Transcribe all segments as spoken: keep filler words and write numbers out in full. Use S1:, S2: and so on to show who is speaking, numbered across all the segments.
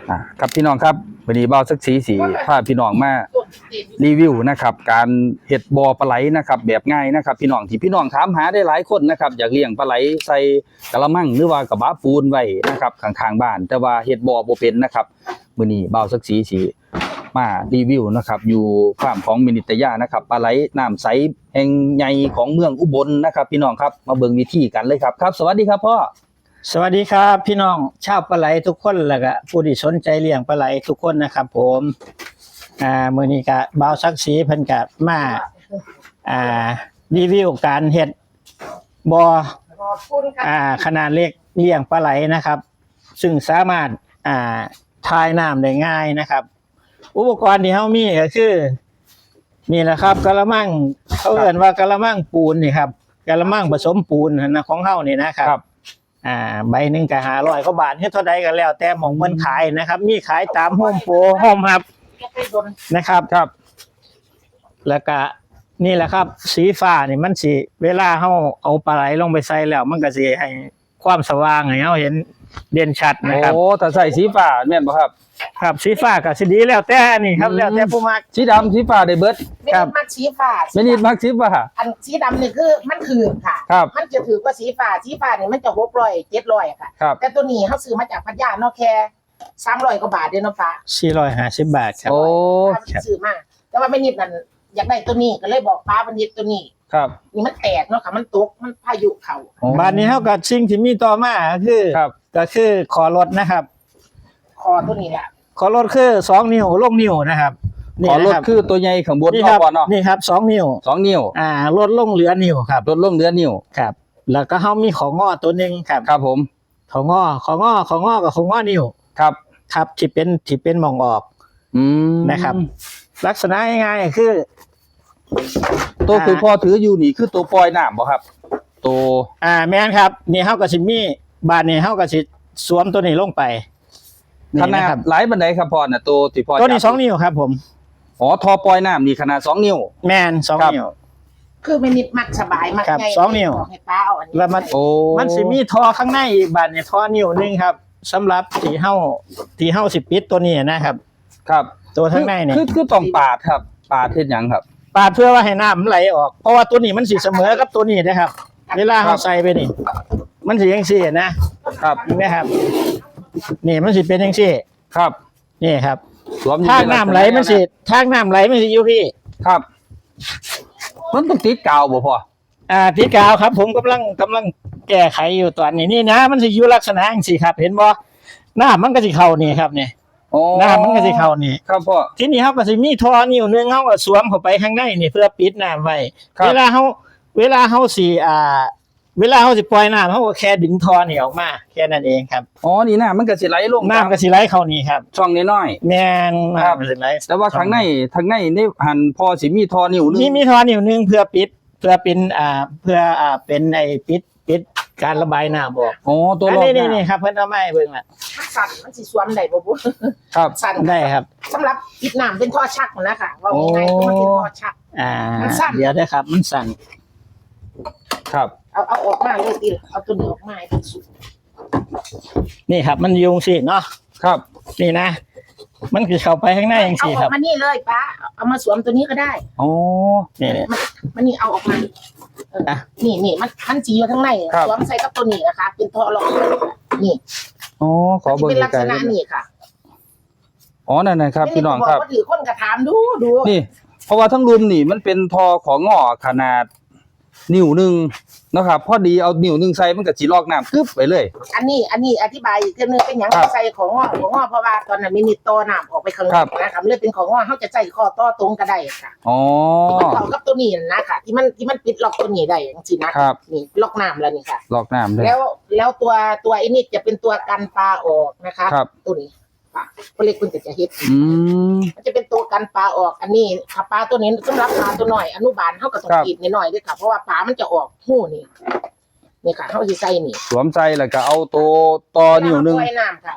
S1: อ่าครับพี่น้องครับวันนี้เบาสักสีสีพาพี่น้องมารีวิวนะครับการเห็ดบ่อปลาไหลนะครับแบบง่ายนะครับพี่น้องที่พี่น้องถามหาได้หลายคนนะครับอยากเลี้ยงปลาไหลใส่กระมังหรือว่ากระบะปูนไว้นะครับข้างๆบ้านแต่ว่าเห็ดบ่อบ่เป็นนะครับมื้อนี้เบาสักสีสีมารีวิวนะครับอยู่ฟาร์มของมินิตยานะครับปลาไหลน้ำใสแห่งใหญ่ของเมืองอุบลนะครับพี่น้องครับมาเบิ่งวิธีกันเลยครับครับสวัสดีครับพ่อ
S2: สวัสดีครับพี่น้องชาวปลาไหลทุกคนแล้วก็ผู้ที่สนใจเลี้ยงปลาไหลทุกคนนะครับผมอ่ามื้อนี้ก็บ่าวศักดิ์ศรีเพิ่นก็มาอ่ารีวิวการเฮ็ดบ่ออ่าขนาดเล็กเลี้ยงปลาไหลนะครับซึ่งสามารถอ่าทายน้ำได้ง่ายนะครับอุปกรณ์ที่เฮามีก็คือนี่แหละครับกะละมังเขาเอิ้นว่ากะละมังปูนนี่ครับกะละมังผสมปูนนะของเฮานี่นะครับอ่าใบหนึ่งก็ห้าร้อยกว่าบาทเฮ็ดเท่าใดก็แล้วแต่หม่องเพิ่นขายนะครับมีขายตามโฮมโปรโฮมฮับนะครับครับแล้วก็นี่แหละครับสีฟ้านี่มันสิเวลาเฮาเอาปลาไหลลงไปใส่แล้วมันก็สิให้ความสว่างให้เฮาเห็นเด่นชัดนะครับ
S1: โอ้ถ้าใส่สีฟ้าแม่นบ่ครับ
S2: ครับสีฟ้าก็สิดีแล้วแต่นี่ครับแล้วแต่ผู้มัก
S1: สีดำสีฟ้าได้เบิด
S3: ไม่ได้มักสีฟ้า
S1: ไม่นิดมักสีฟ้า
S3: อันสีดำนี่คือมันคืนค่ะมันจะถือว่าสีฟ้าสีฟ้านี่มันจะหกร้อยเจ็ดร้อยค่ะแต่ตัวนี้เขาซื้อมาจากพัทยาเนาะแค่สามร้อยกว่าบาทเด้อเนาะฟ้า
S2: สี่ร้อยห้าสิบบาทครับ
S1: โอ้
S3: ซื้อมาแต่ว่าไม่นิดนั่นอยากได้ตัวนี้ก็เลยบอกป้าพันนิดตัวนี้
S1: ครับ
S3: นี่มันแตกเนาะค่ะมันตกมันพายุเข้า
S2: บ้านนี้เฮาก็สิ่งที่มีต่อมาคือก็คือคอรถนะครับ
S3: คอตัวนี้แหละ
S2: ขอรถคือสองนิ้วลงนิ้วนะครับ
S1: ขอรถคือตัวใหญ่ข้างบน
S2: นี่ครับนี่ครับสองนิ้ว
S1: สองนิ้ว
S2: อ่าลดลงเหลือนิ้วครับ
S1: ลดลงเหลือนิ้ว
S2: ครับแล้วก็เฮามีของงอตัวนึงครับ
S1: ครับผม
S2: ของงอของงอของงอกับของงอนิ้ว
S1: ครับ
S2: ครับที่เป็นที่เป็นมองออก
S1: อืม
S2: นะครับลักษณะง่ายๆคือ
S1: ตัวคือพอถืออยู่นี่คือตัวปล่อยน้ำบ่ครับตัว
S2: อ่าแม่นครับนี่เฮาก็สิมีบาดนี้เฮาก็สิสวมตัวนี้ลงไป
S1: ขนาดหลายบันไดครับพ่อน่ะตัวที่พ่อ
S2: ตัวนี้สองนิ้วครับผม
S1: อ๋อทอปล่อยน้ำนี่ขนาดสองนิ้ว
S2: แม่นสองนิ้ว
S3: คือไม่นิดมักสบายมัก
S2: ง่ายสองนิ้ว
S3: ให้ป้าเอาอันนี้
S2: แล้วมันมันสิมีทอข้างในอีกบาดนี้ทอนิ้วนึงครับสำหรับที่เฮาที่เฮาสิปิดตัวนี้นะครับ
S1: ครับ
S2: ตัวข้างในเนี่ย
S1: คือคือต้องปาดครับปาดเฮ็ดหยังครับ
S2: ปาดเพื่อว่าให้น้ำมันไหลออกเพราะว่าตัวนี้มันสิเสมอกับตัวนี้นะครับเวลาเฮาใส่ไปนี่มันสิจังซี่นะครับนะครับนี่มันสิเป็นจังซี่
S1: ครับ
S2: นี่ครับทางน้ำไหลมันสิทางน้ำไหลมันสิอยู่พี่
S1: ครับมันต้องติดกาวบ่พ่อ
S2: อ่าติดกาวครับผมกำลังกำลังแก้ไขอยู่ตอนนี้นี่นะมันสิอยู่ลักษณะจังซี่ครับเห็นบ่น้ำมันก็สิเข้านี่ครับนี่น้ำมันก็สิเข้านี่
S1: ครับพ่อ
S2: ทีนี้เฮาก็สิมีท่อนิ้วนึงเฮาก็สวมเข้าไปข้างในนี่เพื่อปิดน้ำไว้เวลาเฮาเวลาเฮาสิอ่าเวลาเฮาสิปล่อยน้ำเฮาก็แค่ดึงท่อนี่ออกมาแค่นั้นเองครับ
S1: อ๋อนี่น้ำมันก็สิไหลลง
S2: น้ำก็สิไหลเข้านี่ครับ
S1: ช่องน้อย
S2: ๆแม่นครับสิไหล
S1: แต่ว่าข้างในข้างในนี่หันพอสิมีท่อนิ้วนึง
S2: มีมีท่อนิ้วนึงเพื่อปิดเพื่อเป็นอ่าเพื่ออ่าเป็นไอ้ปิดปิดการระบายน้ำออก
S1: อ๋อตัวรอบ
S2: นี่ๆๆครับเพิ่นเอามาให้เบิ่งล่ะ
S3: มันสั่นมันสิสวมได้บ่บ่
S1: ครับ
S2: สั่นได้ครับ
S3: สำหรับปิดน้ำเป็นท่อชักนะคะว่าง่ายๆคือมันเป็นท่อชัก
S2: อ่าเดี๋ยวได้ครับมันสั่น
S1: ครับ
S3: เอาเอาออกมาเลยดิเอาตัวนี้ออกมาให้มันสุก
S2: นี่ครับมันยุงสิเนาะ
S1: ครับ
S2: นี่นะมันคือเข้าไปข้างในจังซี่ครับ
S3: เอาออกมานี่เลยป้าเอามาสวมตัวนี้ก็ได้
S1: อ๋อ
S2: นี่
S3: มันนี่เอาออกมาอ่ะนี่นี่มันมันจีอยู่ข้างในสวมใส่กับตัวนี้นะคะเป็นท่อรองนี่
S1: อ๋อขอเบิ่ง
S3: เป็นลักษณะนี้ค่ะ
S1: อ๋อนั่นนะครับพี่น้องครับ
S3: ถือคนกระถามดูดู
S1: นี่เพราะว่าทั้งรุมนี่มันเป็นทอของงอขนาดนิ้วนึงนะครับพอดีเอานิ้วนึงใส่มันก็สิลอกน้ำกึ๊บไปเลย
S3: อันนี้อันนี้อธิบายอีกเรื่องนึงเป็นหยังใส่ของงอของงอเพราะว่าตอนนั้นมินิโตน้ำออกไปข้างนอกนะครับเลยเป็นของงอเขาจะใส่ข้อต่อตรงก็ได้ค่ะ
S1: อ๋อ
S3: มันต่อกับตัวนี้นะค่ะที่มันที่มันปิดล็อกตัวนี้ได้จริงๆนะครับนี่ล็อกน้ำแล้วนี่ค่ะ
S1: ล็อกน้ำได้
S3: แล้วแล้วตัวตัวไอ้นี่จะเป็นตัวกันปลาออกนะคะตัวนี้เขาเรียกคุณจะจะเฮ็ดมันจะเป็นตัวกันปลาออกอันนี้ถ้าปลาตัวนี้สำหรับปลาตัวหน่อยอนุบาลเขาก็ต้องกินนิดหน่อยด้วยค่ะเพราะว่าปลามันจะออกหู้นี่นี่ค่ะเขาจะใส่นี่
S1: สวมใส่แล้วก็เอาตัวต่อนิ้วนึง
S3: ไว้น้ำค่ะ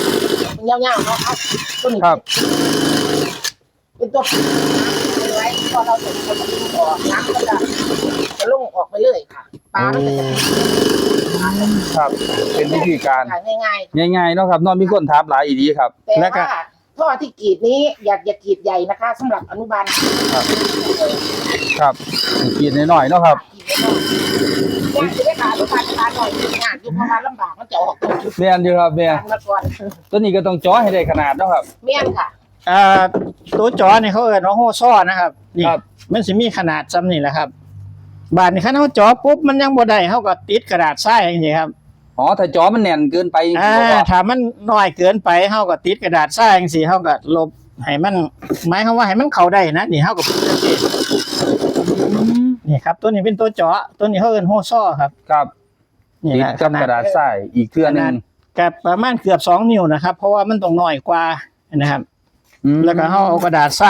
S3: มันยาวๆเนาะเอาตัวนี้
S1: ครับ
S3: เป็นตัวไว้พอเราจะจะดึงออกน้ำก็จะจะลงออกไปเลยค่ะปลามันก็จะ
S1: ครับ เป็นวิธีการ
S3: ง่าย
S1: ง่ายๆเนาะครับเนอกมีคนถามหลายอีดีครับ
S3: ๆแต่
S2: แล้วก็
S3: ว่าท่อที่กรีดนี้อยากอย่ากรีดใหญ่นะคะสำหรับอนุบาล
S1: ครับครับกินน้อยๆเนาะครับ
S3: กรีดไม่ได้อยากจะได้ขาลูกค้าจะทานหน่อยงานอยู่เพราะว่าลำบากมันจะออก
S1: แม่นอยู่ครับแม่
S3: ทานมาก่อน
S1: ตัวนี้ก็ต้องจ่อให้ได้ขนาดเนาะครับ
S3: เมี่ยนค่ะ
S2: อ่าตัวจอนี่เขาเอิ้นว่าโฮซ้อนะครับนี่
S1: ครับ
S2: มันสิมีขนาดซ้ำนี่แหละครับบาดนี้คันเฮาจอปุ๊บมันยังบ่ได้เฮาก็ติดกระดาษทรายอย่างนี้ครับ
S1: อ๋อถ้าจ่อมันแน่นเกินไปจริง
S2: อ่า
S1: ๆบ่
S2: ถ้ามันน้อยเกินไปเฮาก็ติดกระดาษทรายจังซี่เฮาก็ลบให้มันหมายความว่าให้มันเข้าได้นะนี่เฮาก็ปิดจังซี่นี่ครับตัวนี้เป็นตัวเจาะตัวนี้เขาเอิ้นโฮซ้อครับ
S1: ครับ
S2: นี่
S1: ติด
S2: นะ
S1: กับกระดาษทรายอีกเทื่อหนึง
S2: กับประมาณเกือบสองนิ้วนะครับ เพราะว่ามันต้องน้อยกว่านะครับ
S1: อืม
S2: แล้วก็เฮาเอากระดาษทราย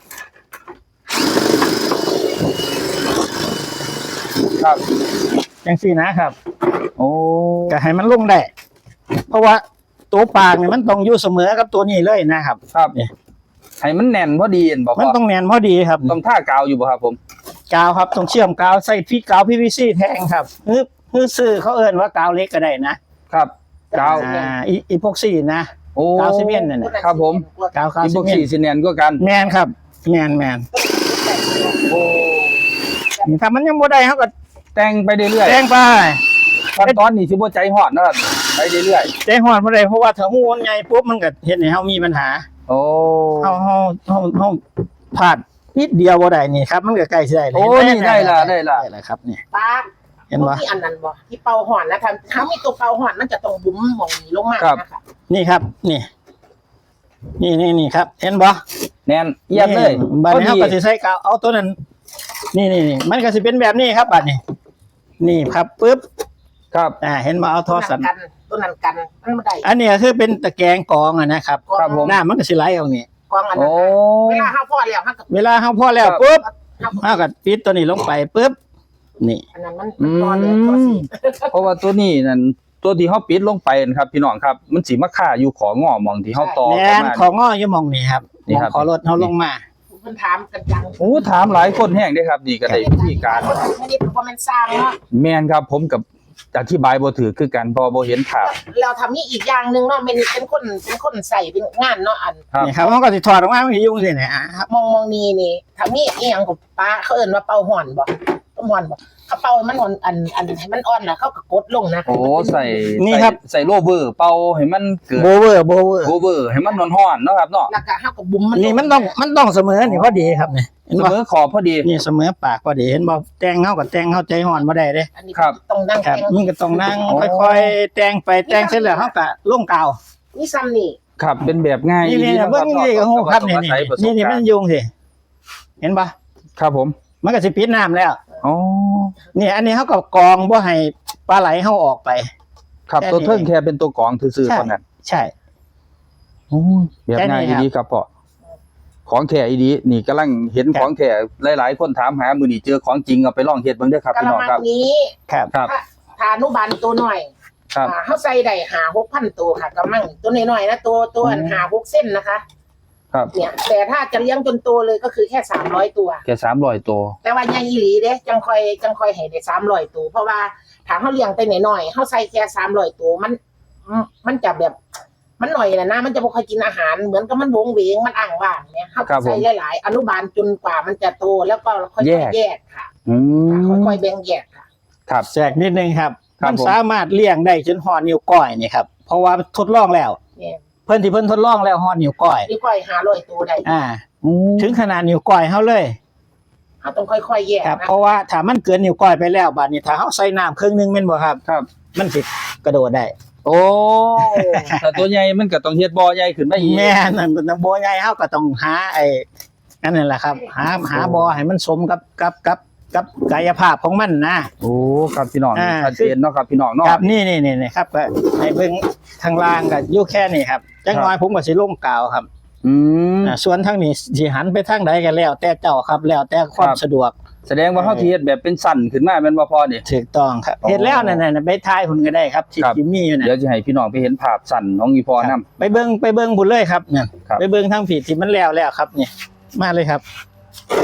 S1: ครับ
S2: จังซี่นะครับ
S1: โอ้
S2: ก็ให้มันลงได้ เพราะว่าตัวปากเนี่ยมันต้องอยู่เสมอกับตัวนี้เลยนะครับ
S1: ครับ
S2: เนี่ย
S1: ให้มันแน่นพอดีเห็นบ่
S2: มัน
S1: พ่อ
S2: ต้องแน่นพอดีครับ
S1: ต้องท่ากาวอยู่บ่ครับผม
S2: กาวครับต้องเชื่อมกาวใส่พี่กาว พี วี ซี แทงครับฮือฮือซื้อเขาเอิ้นว่ากาวเล็กก็ได้นะครับ
S1: กาว
S2: อ่าอีอีพวกซี่นะ
S1: โอ้
S2: กาวซีเมนต์นั่นน่ะ
S1: ครับผม
S2: กาวกาว
S1: อี
S2: ซี
S1: พวก
S2: เมน
S1: สี่
S2: ต์
S1: สิแน่นก็กัน
S2: แมนครับแมนแมน
S1: โอ้
S2: นี่ถ้ามันยังบ่ได้เขาก็
S1: แต่งไปเรื่อย
S2: แจ้งไป
S1: ๆขั้นตอนนี้สิบ่ใจฮอดนะครับไปเรื่อย
S2: แจ้งฮอดบ่ได้เพราะว่าถ้าฮู้มันใหญ่ปุ๊บมันก็เฮ็ดให้เฮามีปัญหา
S1: ๆโอ้
S2: เฮาเฮาเฮาเฮาพลาดนิดเดียวบ่ได้นี่ครับ มันก็ใกล้สิได้เลย
S1: โอ้นี่ได้ละได้ละ
S2: ได้ละครับนี่
S3: ปลา
S2: เห็นบ่
S3: ที่อันนั้นบ่ที่เป่าห่อนนะคะถ้ามีตัวเป่าห่อนมันจะต้องบุ๋มหมองนี้ลงมานะคะ
S2: นี่ครับ นี่ นี่นี่นี่ครับ เห็นบ่
S1: แน่นเอียดเลย
S2: บัดนี้
S1: พอ
S2: เฮา
S1: ดี
S2: ก็สิใส่กาวเอาตัวนั้น นี่นี่นี่มันก็สิเป็นแบบนี้ครับบัดนี้ นี่ครับปึ๊บ
S1: ครับ
S2: อ่าเห็นบ่เอาทอสัน
S3: กันตัวนั้นกันมันไม่ได้
S2: อันนี้ก็คือเป็นตะแกรงกรองอะนะครับ
S1: ครับผม
S2: น้ำมันก็สิไหลออกนี่
S3: กองอันนั้
S1: โอ้
S3: นเวลาห้าพ่อแล้วห้ากับ
S2: เวลาเฮาพอแล้ว
S1: ครับ
S2: ปุ๊บ
S3: ห้า
S2: เฮาก็ปิดตัวนี้ลงไปปุ๊บนี่
S3: อันนั้นมัน
S1: อื
S3: ก้อนเลยตัว
S1: ม
S3: สี
S1: เพราะว่าตัวนี้นั่นตัวที่เฮาปิดลงไปนะครับ พี่น้องครับ มันสิมาค่าอยู่ของอหมองที่เฮาต่อ
S2: แม่
S1: เข้าน มา
S2: ของง้ออยู่หมองนี่ครับ
S1: นี่
S2: หมอง
S1: ครับ
S2: ขอรถเฮาลงมา
S3: เพิ่นถามกันจัง
S1: โอ้ถามหลายคนแห้งเด้ครับนี่ก็ได้วิธีการ
S3: ไม่ได้เพราะมันสร้างเนาะ
S1: แม่นครับผมกับอธิบายบ่ถือคือกันเพอบ่เห็นภาพ
S3: เราทำนี่อีกอย่างหนึ่งเนาะเป็นเป็นคนเป็นคนใส่เป็นงานเนาะอัน
S1: ครับ
S2: นี่ครับเฮาก็สิถอดออกมามันสิยุ่งสิเนี่ยอ่ะครับ
S3: มองมองนี่นี่ทำนี่อีหยังกับป้าเขาเอิ้นว่าเป่าห่อนบ่ต้มห่อนบ่เขาเป่ามันอ่อนอันอันให้มันอ่อนแล้วเขาก็กดลงนะ
S1: โอ้ใส่
S2: นี่
S1: ใส่
S2: ครับ
S1: ใส่โลเบอร์เป่าให้มันเกิด
S2: โบเวอร์โบเวอร์
S1: โลเบอร์ให้มันร้อนๆเนาะครับเนาะ
S3: แล้วก็เขาก็บุ๋มมัน
S2: นี่มันต้องมันต้องเสมอนี่พอดีครับนี่เห็น
S1: เส
S2: บ่
S1: มอขอบพอดี
S2: นี่เสมอปากพอดีเห็นบ่แต่งเฮาก็แต่งเฮาใจฮ้อนบ่ได้เด้
S3: อันนี้
S1: ครับ
S3: ต้องนั่ง
S2: ครับ
S3: แข่ง
S2: มันก็ต้องนั่ง
S1: อ๋อ
S2: ค่อยๆแต่งไปแต่งเสร็จแล้วเฮาก็ลงกาว
S3: นี่ซ้ำนี่
S1: ครับเป็นแบบง่าย
S2: นี่นี่
S1: ดีะ
S2: เบิ่งนี่ก็ฮู้ครับนี่นี่นี่นี่มันยุ่งสิเห็นบ่
S1: ครับผม
S2: มันก็สิปิดน้ำแล้ว
S1: อ๋อ
S2: นี่อันนี้เขาก็กรองบ่ให้ปลาไหลเขาออกไป
S1: ครับ
S2: แค่นี้
S1: ตัวเทิงแค่เป็นตัวกรองซื่อ
S2: ใช่
S1: ๆเท่านั้น
S2: ใช่
S1: โอ้ยแบบง่าย
S2: แค่นี้ครับ
S1: ดีครับพ่อของแท้อีดีนี่กำลังเห็น
S2: ครับ
S1: ของแท้หลายๆคนถามหามื้อนี้เจอของจริงเอาไปลองเฮ็ดเบิ่งเด้อครับ
S3: กะ
S1: พี่
S3: ละ
S1: น้อง
S3: มัง
S1: ครับ
S3: นี้
S2: ครับ
S1: ครับ
S3: ถ้าถ้าอนุบาลตัวหน่อย
S1: ครับ
S3: อ่าเขาใส่ได้หาหกพันตัวค่ะกะมังตัวน้อยๆนะตัวตัวอัน
S1: อืม
S3: หาหกเส้นนะคะ
S1: ครับ
S3: เนี่ยแต่ถ้าจะเลี้ยงจนโตเลยก็คือแค่สามร้อยตัว
S1: แค่สามร้อยตัว
S3: แต่ว่าใหญ่อีหลีเด้จังค่อยจังค่อยให้ได้สามร้อยตัวเพราะว่าถ้าเขาเลี้ยงไปหน่อยๆเขาใส่แค่สามร้อยตัวมันมันจะแบบ มันหน่อยนะนะมันจะบ่ค่อยกินอาหารเหมือนกับมันวงเวงมันอ่างว่างเนี่ยเขาใส่หลายๆอนุบาลจนกว่ามันจะโตแล้วก็ค่อยๆแยกค่ะ
S1: อืม
S3: ค่อยๆแบ่งแยกค่ะ
S1: ครับ
S2: แจกนิดนึงครับ
S1: ครับ
S2: มัน
S1: ผม
S2: สามารถเลี้ยงได้จนห่อนิ้วก้อยนี่ครับเพราะว่าทดลองแล้ว
S3: เนี่ย
S2: เพิ่นที่เพิ่นทดลองแล้วห่อนิ้วก้อย
S3: นี่ค่อยหาร้อยตัวได้
S2: อ่า
S1: อืม
S2: ถึงขนาดนิ้วก้อยเฮาเลย
S3: เขาต้องค่อยๆแยก
S2: ครับ
S3: นะ
S2: เพราะว่าถ้ามันเกินนิ้วก้อยไปแล้วบัดนี้ถ้าเฮาใส่น้ำครึ่งนึงแม่นบ่ครับ
S1: ครับ
S2: มันสิกระโดดได้
S1: โอ้แต่ตัวใหญ่มันก็ต้องเฮ็ดบ่อใหญ่ขึ้นมาอีก
S2: แม่นั่นเป็นบ่ใหญ่เฮาก็ต้องหาไอ้นั่นแหละครับ หาหาบ่อให้มันสมกับกับกับกับกายภาพของมันนะ
S1: โอ้ครับพี่น้อง
S2: อ่า
S1: ชัดเจนเนาะครับพี่น้องเนาะ
S2: ครับนี่นี่นี่นี่ครับก็ให้เบิ่งทางล่างก็อยู่แค่นี้ครับจังน้อยผมก็สิลงกาวครับ
S1: อืม
S2: อ่าส่วนทางนี้สิหันไปทางใดก็แล้ว แต่เจ้าครับแล้วแต่ความ
S1: ครับ
S2: สะดวก
S1: แสดงว่าเฮาสิเฮ็ดแบบเป็นสั้นขึ้นมาแม่นบ่พอนี่
S2: ถูกต้องครับ
S1: อ๋อ
S2: เฮ็ดแล้วนั่นน่ะไปทายหุ่นก็ได้ครับที่
S1: ครับ
S2: ที่มีอยู่น่ะ
S1: เดี๋ยวจะให้พี่น้องไปเห็นภาพสั้นของอีพอ
S2: ครั
S1: นำ
S2: บไปเบิ่งไปเบิ่งบุญเลยครับเนี่ย
S1: ครับ
S2: ไปเบิ่งทางผิดที่มันแล้วแล้วครับเนี่ยมาเลยครับ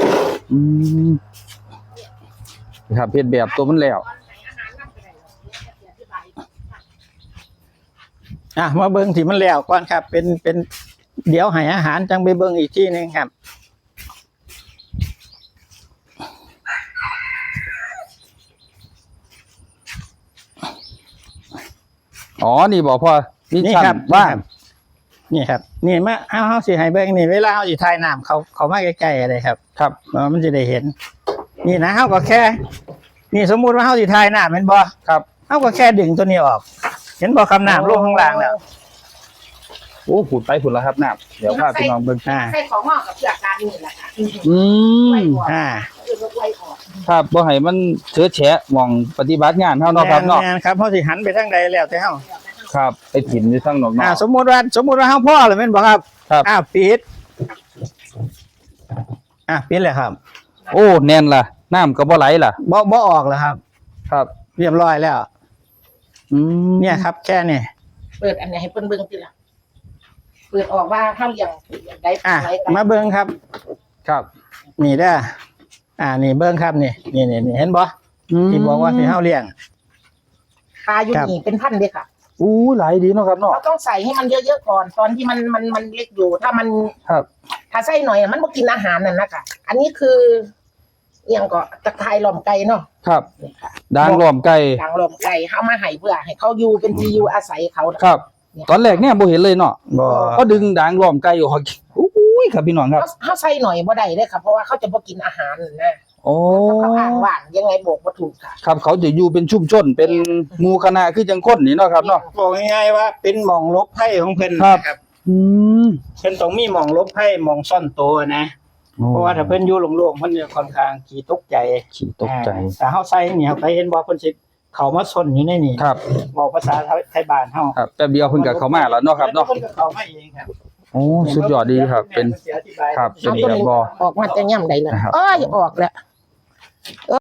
S1: อืมครับเฮ็ดแบบตัวมันแล้ว
S2: อ่ะมาเบิ่งที่มันแล้วก่อนครับ เป็นเป็นเดี๋ยวให้อาหารจังไปเบิ่งอีกที่หนึงครับ
S1: อ๋อนี่บอกพ่อนี่
S2: นี่
S1: ชั้น
S2: ครับ
S1: ว่าง
S2: นี่ครับ นี่มาเอาเฮาสิให้เบิ่งนี่เวลาเฮาสิถ่ายน้ำเขาเขามาใกล้ๆอะไรครับ
S1: ครับ
S2: เออมันจะได้เห็น นี่นะเฮาก็แค่ นี่สมมุติว่าเฮาสิถ่ายน้ำแม่นบ่
S1: ครับ
S2: เฮาก็แค่ดึงตัวนี้ออก เห็นบ่คำน้ำลงข้างล่างแล้ว
S1: โอ้ผุดไปผุดแล้วครับน้ำเดี๋ยวพาพี่น้องเบิ่ง
S2: อ่า
S3: ใส่ของงอกกับเพื่อการนี่แหละค่ะ
S1: อืม
S2: อ่า
S3: คือรถไล่ออก
S1: ครับบ่ให้มันเชื้อแฉะหม่องปฏิบัติงานเฮาเนาะครับเนาะ
S2: แม่นๆครับเฮาสิหันไปทางใดแล้วแต่เฮา
S1: ครับไปถิ่มอยู่ทางนอก
S2: อ่า
S1: ๆ
S2: สมมุติว่าสมมุติว่าเฮาพ่อเลยแม่นบ่ครับ
S1: ครับ
S2: อ่าปิด อ่าปิดเลยครับ
S1: โอ้แน่นล่ะน้ำก็บ่ไหลล่ะ
S2: บ่บ่ออกแล้วครับ
S1: ครับ
S2: เรียบร้อยแล้ว
S1: อืม
S2: เนี่ยครับ แค่นี้
S3: เปิดอันไหนให้เพิ่นเบิ่งติล่ะเปิดออกว่าเฮาเลี้ยงได้
S2: อ่ะ
S3: ไรกัน
S2: มาเบิ่งครับ
S1: ครับ
S2: นี่เด้ออ่า นี่เบิ่งครับนี่นี่นี่นี่เห็นบ่ที่บอกว่าสิเฮาเลี้ยง
S3: ปลาอยู่นี่เป็นพันเด้ค่ะ
S1: อู้ไหลดีเนาะครับเนาะ
S3: เราต้องใส่ให้มันเยอะๆก่อน ตอนที่มันมันมันเล็กอยู่ ถ้ามัน
S1: ครับ
S3: ถ้าใส่หน่อยอะมันบ่กินอาหารนั่นนะคะอันนี้คือเอียงก็ตะไคร้หล่อมไก่เนาะ
S1: ครับ
S3: นี่ค่ะ
S1: ด่างล้อมไก่
S3: ดังหล่อมไก่เฮามาให้เพื่อให้เขาอยู่เป็นที่อยู่อาศัยเขา
S1: ครับ ตอนแรกเนี่ยบ่เห็นเลยเนาะ
S2: บ่
S1: ก็ดึงด่างล้อมไก่ออกอู้ยครับพี่น้องครับ
S3: เขาเขาใส่หน่อยบ่ได้เด้อค่ะเพราะว่าเขาจะบ่กินอาหารนั่นนะ
S1: โอ้
S3: เขาอ่างว่างยังไงบอกบ่ถูกค่ะ
S1: ครับเขาจะอยู่เป็นชุมชนเป็นหมู่คณะคือจังคนนี่เนาะครับเนาะ
S2: บอกง่ายๆว่าเป็นหม่องลบไพ่ของเพิ่น
S1: ครับ
S2: นะครับ
S1: อืม
S2: เพิ่นต้องมีหม่องลบไพ่หม่องซ่อนตัวนะ เพราะว่าถ้าเพิ่นอยู่โล่งๆเพิ่นจะค่อนข้างขี้ตกใจ
S1: ขี้ตกใจ
S2: อ่าแต่เฮาใส่นี่ครับไปเห็นบ่เพิ่นสิเข้ามาซ่อนอยู่ในนี่
S1: ครับ
S2: บอกภาษาไทยบ้านเฮา
S1: ครับแป๊บเดียวเพิ่นก็เข้ามาแล้วเนาะครับเนาะ
S2: เพิ่นก็เข้ามาเองครับ
S1: โอ้สุดยอดดีครับ เป็น ครับ
S3: เอาตัวนี้ออกมาแต่ย่ำใดเลย
S1: นะครับ
S3: เอ้ยออกแล้ว